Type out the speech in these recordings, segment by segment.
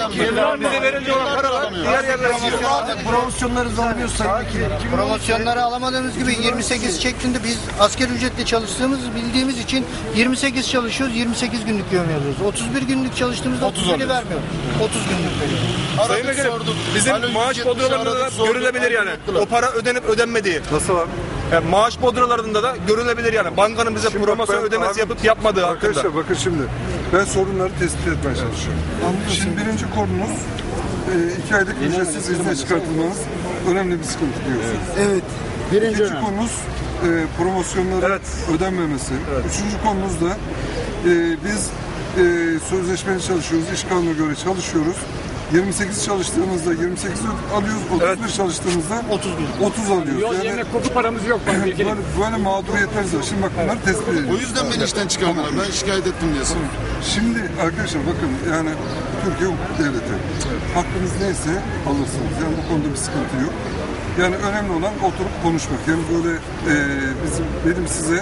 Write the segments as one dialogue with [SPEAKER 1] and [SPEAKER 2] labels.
[SPEAKER 1] Bize verince olan paralar diğer yerlere gidiyor.
[SPEAKER 2] Promosyonları alıyoruz Sayın Vekilim.
[SPEAKER 3] Promosyonları alamadığımız gibi 28 şeklinde biz asker ücretle çalıştığımızı bildiğimiz için 28 çalışıyoruz, 28 günlük yövme alıyoruz. 31 günlük çalıştığımızda 31'i vermiyor. 30 günlük veriyor.
[SPEAKER 1] Sayın Vekilim, bizim maaş bodralarında da görülebilir yani. O para ödenip ödenmediği.
[SPEAKER 4] Nasıl abi?
[SPEAKER 1] Yani maaş bodralarında da görülebilir yani. Bankanın bize
[SPEAKER 4] Şimdi
[SPEAKER 1] promosyon
[SPEAKER 4] bak
[SPEAKER 1] ödemesi
[SPEAKER 4] abi,
[SPEAKER 1] yapıp yapmadığı
[SPEAKER 4] arkadaşlar
[SPEAKER 1] hakkında.
[SPEAKER 4] bakın şimdi ben sorunları tespit etmeye çalışıyorum. Şimdi birinci konumuz 2 aylık ücretsiz izne çıkartılmanız önemli bir sıkıntı diyorsunuz.
[SPEAKER 2] Evet.
[SPEAKER 4] İkinci konumuz promosyonların ödenmemesi. Üçüncü konumuz da biz sözleşmeli çalışıyoruz, iş kanununa göre çalışıyoruz. 28 çalıştığımızda 28 alıyoruz, 31 çalıştığımızda 30 alıyoruz.
[SPEAKER 5] Yol yemek koku paramız yok.
[SPEAKER 4] Böyle mağduriyetler var. Şimdi bak bunları tespit ediyoruz.
[SPEAKER 6] O yüzden beni işten çıkardılar. Ben şikayet ettim diyorsun.
[SPEAKER 4] Şimdi arkadaşlar bakın yani Türkiye hukuk devleti. Hakkınız neyse alırsınız. Yani bu konuda bir sıkıntı yok. Yani önemli olan oturup konuşmak. Yani böyle benim size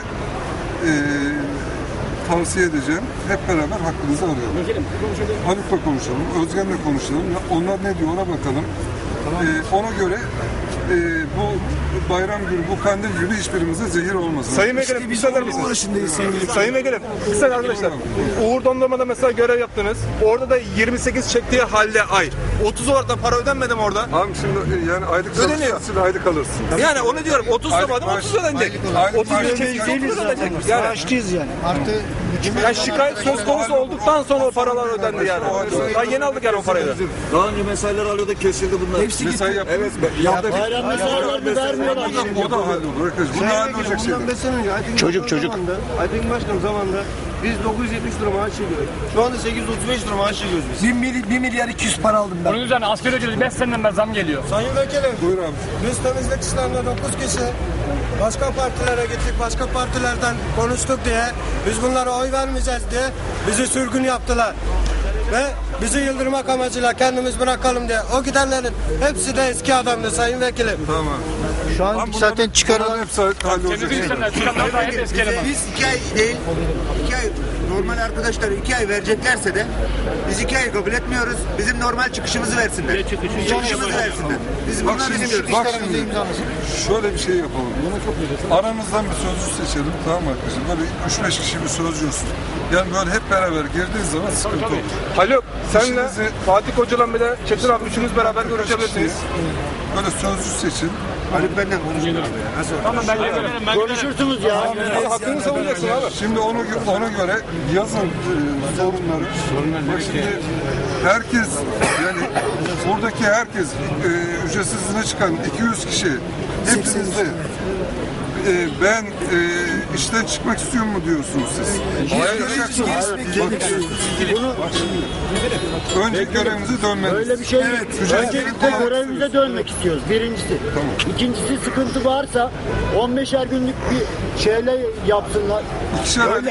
[SPEAKER 4] tavsiye edeceğim. Hep beraber hakkınızı arayalım. Haluk'la konuşalım, Özgen'le konuşalım. Onlar ne diyor ona bakalım. Ona göre bu bayram günü, bu kandil günü hiçbirimize zehir olmasın.
[SPEAKER 1] Sayın Vekilim, bir söyler misiniz? Sayın Vekilim, kısa arkadaşlar. Uğur Dondurma'da mesela görev yaptınız. Orada da 28 çektiği halde ay. 30 olarak da para ödenmedi mi orada?
[SPEAKER 4] Abi şimdi yani aylık çalışırsın, aylık alırsın.
[SPEAKER 1] Yani onu diyorum, 30 zamanım 30 ödenecek. 30 çektiği 30 ödenecek. Yani
[SPEAKER 3] Maaşlıyız yani. Artı
[SPEAKER 1] yani şikayet söz konusu olduktan sonra o paralar ödendi yani. Daha yeni aldık yani o parayı da.
[SPEAKER 7] Daha önce mesailer alıyordu, kesildi bunlar.
[SPEAKER 2] Hepsi
[SPEAKER 4] mesai
[SPEAKER 2] gitti.
[SPEAKER 4] yaptık.
[SPEAKER 7] Evet. Bayram mesailerini vermiyorlar.
[SPEAKER 4] O da hallolur arkadaşlar. Bunu hallolacak şeyler.
[SPEAKER 2] Çocuk. Aydın Başkanım zamanında biz 970 lira maaş çekiyoruz. Şu anda 835 lira maaş çekiyoruz biz. 1 milyar 200 para aldım ben.
[SPEAKER 5] Bunun üzerine asgari ücreti 5 seneden beri zam geliyor.
[SPEAKER 8] Sayın Vekilim,
[SPEAKER 4] Buyur abi.
[SPEAKER 8] biz temizlik işlerinde 9 kişi başka partilere gittik, başka partilerden konuştuk diye, biz bunlara oy vermeyeceğiz diye bizi sürgün yaptılar. Ve bizi yıldırmak amacıyla kendimiz bırakalım diye. O gidenlerin hepsi de eski adamdı Sayın Vekilim.
[SPEAKER 4] Tamam.
[SPEAKER 3] şu an zaten çıkarılan
[SPEAKER 4] Hepsi hallolacak
[SPEAKER 5] Temizlik
[SPEAKER 4] şeyler.
[SPEAKER 5] işlemler çıkanlar da hep eski eleman.
[SPEAKER 9] Biz 2 ay değil, 2 ay normal arkadaşlar 2 ay vereceklerse de biz 2 ay kabul etmiyoruz. Bizim normal çıkışımızı versinler. Çıkışımızı versinler. Biz
[SPEAKER 4] Bak
[SPEAKER 9] bunları
[SPEAKER 4] şimdi,
[SPEAKER 9] istiyoruz.
[SPEAKER 4] bak şimdi şöyle bir şey yapalım. Aranızdan bir sözcü seçelim, tamam mı arkadaşlar? Böyle 3-5 kişi bir sözcü olsun. Yani böyle hep beraber girdiğiniz zaman sıkıntı olur.
[SPEAKER 1] Haluk, senle Fatih Hoca'la bir de Çetin abi üçünüz beraber görüşebilirsiniz.
[SPEAKER 4] Böyle sözcü seçin.
[SPEAKER 9] Haluk benden konuşuyor.
[SPEAKER 5] Tamam ben gelirim.
[SPEAKER 7] Konuşursunuz ya.
[SPEAKER 1] Hakkını savunacaksın abi.
[SPEAKER 4] Şimdi ona göre yazın sorunları. Bak şimdi herkes yani buradaki herkes ücretsiz izne çıkan 200 kişi hepinizde ben işten çıkmak istiyorum mu diyorsunuz siz? Önce görevimize dönmeliyiz.
[SPEAKER 7] Öyle bir şey yok. Öncelikle görevimize dönmek istiyoruz. Birincisi.
[SPEAKER 4] Tamam.
[SPEAKER 7] İkincisi sıkıntı varsa 15'er günlük bir şeyle yapsınlar.
[SPEAKER 4] İkişer aylık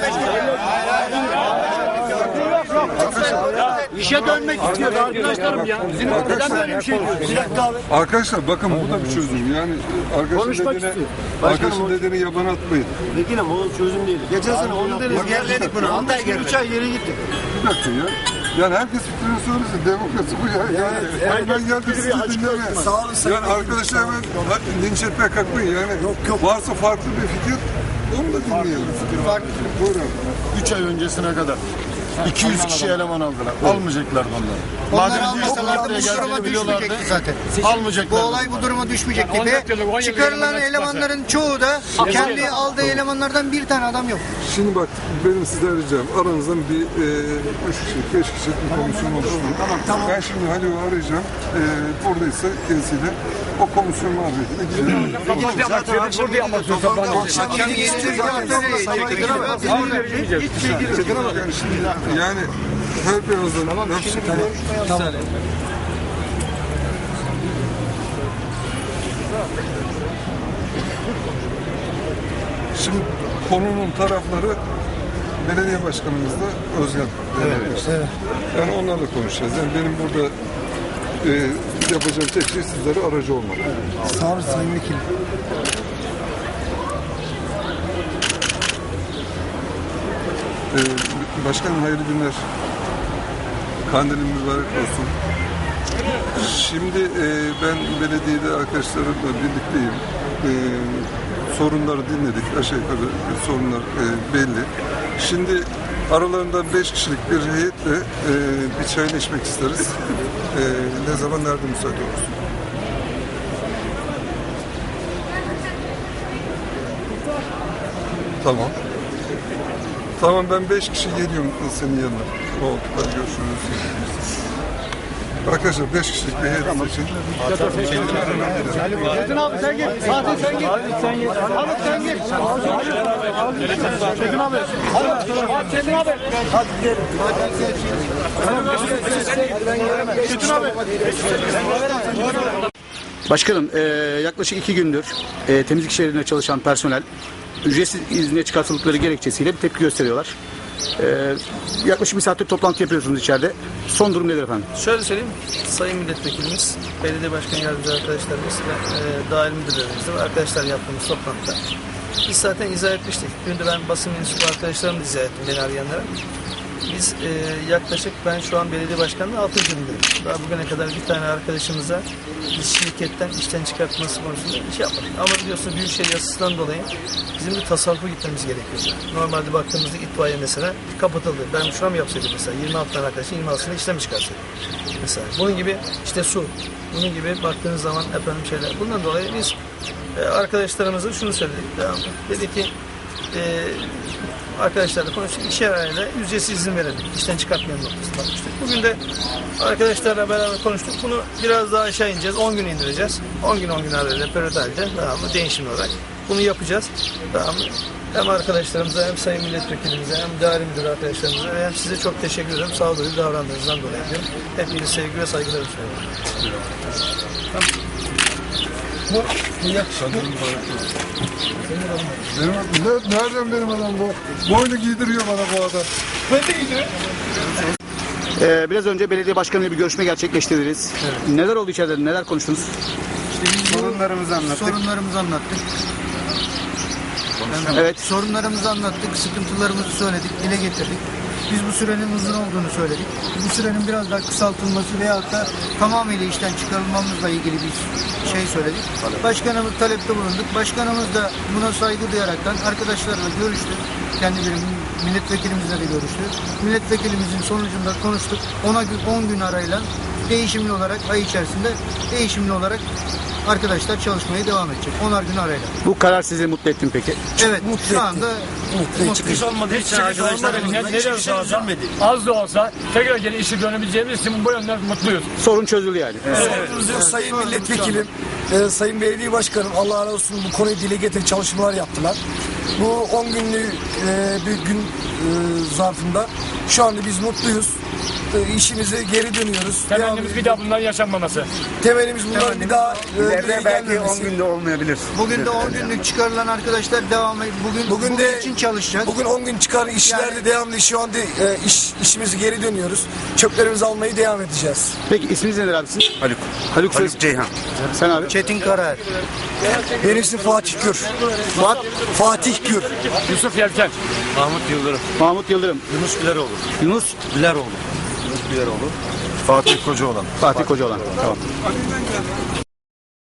[SPEAKER 7] İşe dönmek istiyor arkadaşlarım ya. Neden böyle bir şey diyorsun?
[SPEAKER 4] Arkadaşlar bakın bu da bir çözüm. Yani arkadaşın dediğini yabana atmayın.
[SPEAKER 2] Vekilim o çözüm değil. Geçen sene 10 deriz.
[SPEAKER 9] Yerledik bunu. 6 ay
[SPEAKER 2] 3 ay yere gittik.
[SPEAKER 4] Bir dakika ya. Yani herkes fikrini söylesin. Demokrasi bu ya. Yani ben geldim sizi dinlemeye.
[SPEAKER 2] Sağ olun Sayın
[SPEAKER 4] Yani arkadaşlar hemen linç etmeye kalkmayın. Yani varsa farklı bir fikir onu da dinleyelim. Buyurun.
[SPEAKER 6] 3 ay öncesine kadar 200 kişi eleman aldılar. Almayacaklar bunları.
[SPEAKER 3] Onlar
[SPEAKER 6] Madem
[SPEAKER 3] almasalardı bu duruma düşmeyecekti zaten. Bu
[SPEAKER 6] almayacaklar.
[SPEAKER 3] olay bu duruma düşmeyecekti ve çıkarılan elemanların çoğu da kendi aldığı elemanlardan bir tane adam yok.
[SPEAKER 4] Şimdi bak benim sizden ricam aranızdan bir 3 kişi, 5 kişi bir komisyon oluşturun. Tamam. Ben şimdi Halil'i arayacağım. Buradaysa kendisiyle o komisyon muhabbetine gidelim.
[SPEAKER 3] Akşam 7'de
[SPEAKER 4] Yani her birazdan
[SPEAKER 2] Tamam.
[SPEAKER 4] Şimdi konunun tarafları belediye başkanımız da Özgen. Evet. Yani onlarla konuşacağız. Yani benim burada yapacağım tek şey sizlere aracı olmak.
[SPEAKER 2] Sağ olun Sayın Vekilim.
[SPEAKER 4] Başkanım hayırlı günler. Kandilin mübarek olsun. Şimdi ben belediyede arkadaşlarımla birlikteyim. Sorunları dinledik. Aşağı yukarı sorunlar belli. Şimdi aralarından 5 kişilik bir heyetle bir çayını içmek isteriz. Ne zaman, nerede müsait olursun? Tamam. Tamam, ben 5 kişi geliyorum senin yanına. Oldu. Hadi görüşürüz. Arkadaşlar 5 kişilik bir heyet için.
[SPEAKER 7] Çetin abi sen git. Fatih sen git. Halit sen git. Çetin abi. Çetin abi. Çetin abi.
[SPEAKER 10] Başkanım, yaklaşık 2 gündür temizlik işlerinde çalışan personel ücretsiz izne çıkartıldıkları gerekçesiyle bir tepki gösteriyorlar. Yaklaşık bir saattir toplantı yapıyorsunuz içeride. Son durum nedir efendim?
[SPEAKER 11] Şöyle söyleyeyim, Sayın Milletvekilimiz, Belediye Başkan Yardımcı arkadaşlarımız ve dahil müdürlerimizle ve arkadaşlar yaptığımız toplantıda biz zaten izah etmiştik. Dün de ben basın mensubu arkadaşlarımı da izah ettim, beni arayanlara. Biz yaklaşık, ben şu an belediye başkanlığı 6. gündeyim. Daha bugüne kadar bir tane arkadaşımıza biz şirketten işten çıkartması konusunda bir şey yapmadık. Ama biliyorsunuz Büyükşehir yasasından dolayı bizim de tasarrufa gitmemiz gerekiyor. Normalde baktığımızda itfaiye mesela kapatıldı. Ben şuna mı yapsaydım mesela? 26 tane arkadaşın 26'sını işten mi çıkarsaydım? Mesela bunun gibi işte su, bunun gibi baktığınız zaman efendim şeyler. Bundan dolayı biz arkadaşlarımıza şunu söyledik. Dedi ki arkadaşlarla konuştuk. İşe arayla ücretsiz izin verelim. İşten çıkartmayan noktasına bakmıştık. Bugün de arkadaşlarla beraber konuştuk. Bunu biraz daha aşağı ineceğiz. 10 gün indireceğiz. 10 gün arayla periodalde değişimli olarak bunu yapacağız. Tamam mı? Hem arkadaşlarımıza hem sayın milletvekilimize hem idari müdür arkadaşlarımıza hem size çok teşekkür ederim. Sağduyulu davrandığınızdan dolayı diyorum. Hepinize sevgi ve saygılarımı sunuyorum. Tamam. Bu yakışıklı.
[SPEAKER 4] Nereden benim adam bu? Boynu giydiriyor bana bu adam.
[SPEAKER 11] Ben de gidiyorum.
[SPEAKER 10] Biraz önce belediye başkanıyla bir görüşme gerçekleştirdiniz. Evet. Neler oldu içeride? Neler konuştunuz?
[SPEAKER 3] Sorunlarımızı anlattık.
[SPEAKER 10] Evet.
[SPEAKER 3] Sorunlarımızı anlattık, sıkıntılarımızı söyledik, dile getirdik. Biz bu sürenin uzun olduğunu söyledik. Bu sürenin biraz daha kısaltılması veyahut da tamamıyla işten çıkarılmamızla ilgili bir şey söyledik. Başkanımız talepte bulunduk. Başkanımız da buna saygı duyaraktan arkadaşlarla görüştü. Kendi milletvekilimizle de görüştü. Milletvekilimizin sonucunda konuştuk. 10 gün arayla değişimli olarak ay içerisinde değişimli olarak arkadaşlar çalışmaya devam edecek. 10'ar gün arayla.
[SPEAKER 10] Bu karar sizi mutlu etti mi peki?
[SPEAKER 3] Evet. Şu anda
[SPEAKER 5] Çıkış olmadığı için arkadaşlar az da olsa tekrar geri işe dönebileceğimiz için bu yönden mutluyuz.
[SPEAKER 10] Sorun çözüldü yani.
[SPEAKER 2] Sayın Milletvekilim, Sayın Belediye Başkanım, Allah razı olsun, bu konuyu dile getirip çalışmalar yaptılar. Bu 10 günlük bir gün zarfında şu anda biz mutluyuz. İşimize geri dönüyoruz.
[SPEAKER 5] Temennimiz bir daha bunların yaşanmaması.
[SPEAKER 2] Temennimiz bunların bir daha
[SPEAKER 10] belki 10 günde olmayabilir.
[SPEAKER 3] bugün de 10 günlük çıkarılan arkadaşlar devamı bugün
[SPEAKER 2] de
[SPEAKER 3] için çalışacağız.
[SPEAKER 2] Bugün 10 gün çıkar işlerde devamlı şu anda işimize geri dönüyoruz. Çöplerimizi almayı devam edeceğiz.
[SPEAKER 10] Peki isminiz nedir abi sizin? Haluk
[SPEAKER 6] Ceyhan.
[SPEAKER 10] Sen abi?
[SPEAKER 3] Çetin Karar.
[SPEAKER 2] Benim ismim Fatih Gür. Fatih Gür.
[SPEAKER 5] Yusuf Yelken.
[SPEAKER 10] Mahmut Yıldırım. Yunus
[SPEAKER 6] Fatih Kocaoğlan.
[SPEAKER 10] Fatih Kocaoğlan. Tamam.